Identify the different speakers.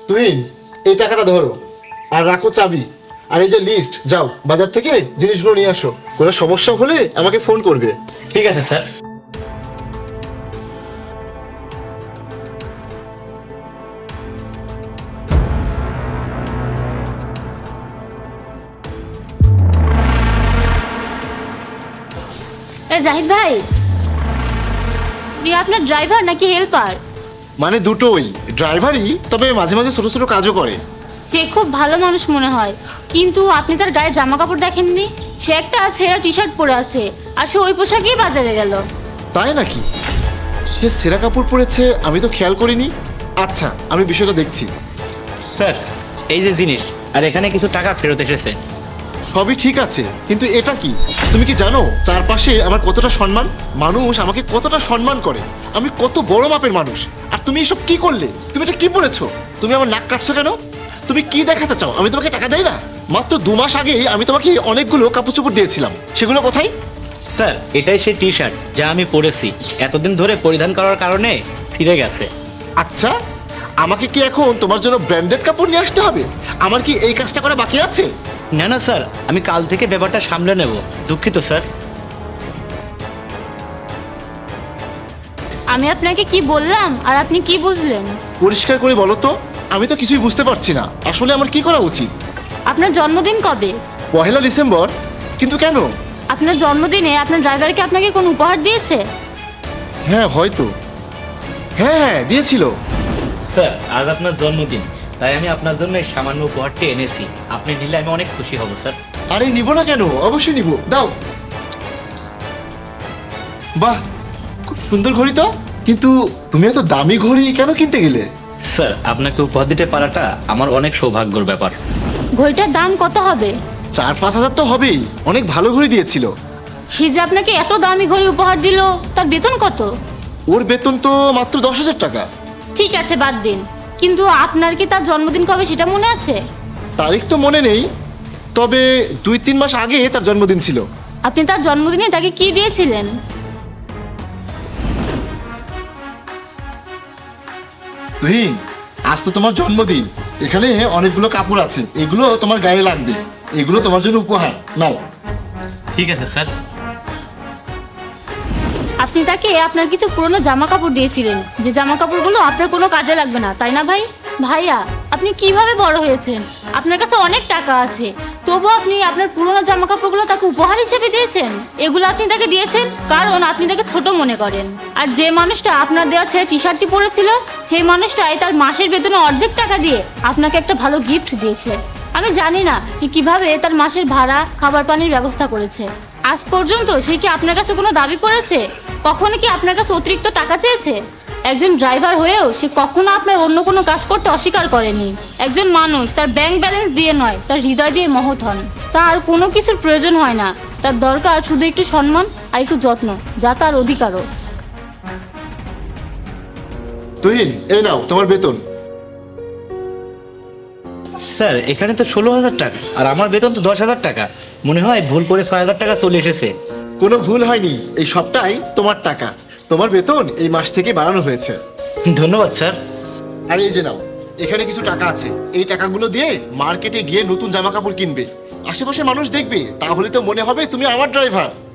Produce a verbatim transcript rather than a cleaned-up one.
Speaker 1: তুই এই টাকাটা ধরো আর রাখো চাবি, আর এই যে লিস্ট, যাও বাজার থেকে জিনিসগুলো নিয়ে আসো। কোনো সমস্যা হলে আমাকে ফোন করবে।
Speaker 2: ঠিক আছে স্যার।
Speaker 3: এ জাহিদ ভাই, উনি আপনার ড্রাইভার নাকি হেল্পার?
Speaker 1: মানে দুটোই, ড্রাইভারই, তবে মাঝে মাঝে ছোট ছোট কাজও করে।
Speaker 3: সে খুব ভালো মানুষ মনে হয়, কিন্তু আপনি তার গায়ে জামা কাপড় দেখেননি? সে একটা ছেঁড়া টি শার্ট পরে আছে, আর সে ওই পোশাকেই বাজারে গেল।
Speaker 1: তাই নাকি? সে সেরা কাপড় পরেছে, আমি তো খেয়াল করিনি। আচ্ছা, আমি বিষয়টা দেখছি।
Speaker 2: স্যার, এই যে জিনিস, আর এখানে কিছু টাকা ফেরত এসেছে।
Speaker 1: সবই ঠিক আছে, কিন্তু এটা কি? তুমি কি জানো চারপাশে আমার কতটা সম্মান? মানুষ আমাকে কতটা সম্মান করে, আমি কত বড় মাপের মানুষ। আর তুমি এসব কি করলে? তুমি এটা কি পড়েছো? তুমি আমার নাক কাটছো কেন? তুমি কি দেখাতে চাও? আমি তোমাকে টাকা দেই না? মাত্র দু মাস আগে আমি তোমাকে অনেকগুলো কাপড় চোপড় দিয়েছিলাম, সেগুলো কোথায়?
Speaker 2: স্যার, এটাই সেই টি শার্ট যা আমি পরেছি, এতদিন ধরে পরিধান করার কারণে ছিঁড়ে গেছে।
Speaker 1: আচ্ছা, আমাকে কি এখন তোমার জন্য ব্র্যান্ডেড কাপড় নিয়ে আসতে হবে? আমার কি এই কাজটা করা বাকি আছে?
Speaker 2: না না স্যার, আমি কাল থেকে ব্যাপারটা সামলে নেব। দুঃখিত স্যার।
Speaker 3: আমি আপনাকে কি বললাম আর আপনি কি বুঝলেন?
Speaker 1: পরিষ্কার করে বলো তো, আমি তো কিছুই বুঝতে পারছি না। আসলে আমার কি করা উচিত?
Speaker 3: আপনার জন্মদিন কবে?
Speaker 1: পহেলা ডিসেম্বর। কিন্তু কেন?
Speaker 3: আপনার জন্মদিনে আপনার ড্রাইভারকে আপনাকে কোনো উপহার দিয়েছে?
Speaker 1: হ্যাঁ হয়তো, হ্যাঁ হ্যাঁ দিয়েছিল।
Speaker 2: স্যার, আজ আপনার জন্মদিন, তাই আমি আপনার জন্য এই সামান্য উপহারটি এনেছি। আপনি নিলে আমি অনেক খুশি হব স্যার।
Speaker 1: আরে নিব না কেন, অবশ্যই নিব, দাও। বাহ, খুব সুন্দর ঘড়ি তো। কিন্তু তুমি এত দামি ঘড়ি কেন কিনতে গেলে?
Speaker 2: স্যার, আপনাকে উপহার দিতে পারাটা আমার অনেক সৌভাগ্যের ব্যাপার।
Speaker 3: ঘড়িটার দাম কত হবে?
Speaker 1: চার পাঁচ হাজার তো হবেই, অনেক ভালো ঘড়ি দিয়েছিল।
Speaker 3: সে যে আপনাকে এত দামি ঘড়ি উপহার দিল, তার বেতন কত?
Speaker 1: ওর বেতন তো মাত্র দশ হাজার টাকা।
Speaker 3: ঠিক আছে, বাদ দিন, কিন্তু আপনার কি তার জন্মদিন কবে সেটা মনে আছে?
Speaker 1: তারিখ তো মনে নেই, তবে দুই তিন মাস আগে তার জন্মদিন ছিল।
Speaker 3: আপনি তার জন্মদিনে তাকে কি দিয়েছিলেন?
Speaker 1: তুহিন, আজ তো তোমার জন্মদিন, এখানে অনেকগুলো কাপড় আছে, এগুলো তোমার গায়ে লাগবে, এগুলো তোমার জন্য উপহার, নাও।
Speaker 2: ঠিক আছে স্যার।
Speaker 3: আপনি তাকে আপনার কিছু পুরনো জামা কাপড় দিয়েছিলেন, যে জামা কাপড়গুলো আপনার কোনো কাজে লাগবে না, তাই না ভাই? ভাইয়া, আপনি কিভাবে বড় হয়েছেন? আপনার কাছে অনেক টাকা আছে, তবু আপনি আপনার পুরনো জামা কাপড়গুলো তাকে উপহার হিসেবে দিয়েছেন। এগুলো আপনি তাকে দিয়েছেন কারণ আপনি তাকে ছোট মনে করেন। আর যে মানুষটা আপনার দেওয়া ছেড়ে টি শার্টটি পরেছিল, সেই মানুষটাই তার মাসের বেতনে অর্ধেক টাকা দিয়ে আপনাকে একটা ভালো গিফট দিয়েছে। আমি জানি না সে কিভাবে তার মাসের ভাড়া, খাবার পানির ব্যবস্থা করেছে। আজ পর্যন্ত সে কি আপনার কাছে কোনো দাবি করেছে? কখনো কি আপনার কাছে অতিরিক্ত টাকা চেয়েছে? একজন ড্রাইভার হয়েও সে কখনো আপনার অন্য কোনো কাজ করতে অস্বীকার করেনি। একজন মানুষ তার ব্যাংক ব্যালেন্স দিয়ে নয়, তার হৃদয় দিয়ে মহৎ হন। তার কোনো কিছুর প্রয়োজন হয় না, তার দরকার শুধু একটু সম্মান আর একটু যত্ন, যা তার অধিকারও।
Speaker 1: তুহিন, এই নাও তোমার বেতন।
Speaker 2: স্যার, এখানে তো ষোলো হাজার টাকা, আর আমার বেতন তো দশ হাজার টাকা। মনে হয় ভুল করে ছয় হাজার টাকা চলে এসেছে।
Speaker 1: কোনো ভুল হয়নি, এই সবটাই তোমার টাকা। তোমার বেতন এই মাস থেকে বাড়ানো হয়েছে।
Speaker 2: ধন্যবাদ স্যার।
Speaker 1: আর এই যে নাও, এখানে কিছু টাকা আছে, এই টাকাগুলো দিয়ে মার্কেটে গিয়ে নতুন জামা কাপড় কিনবে। আশেপাশে মানুষ দেখবে, তাহলে তো মনে হবে তুমি আমার ড্রাইভার।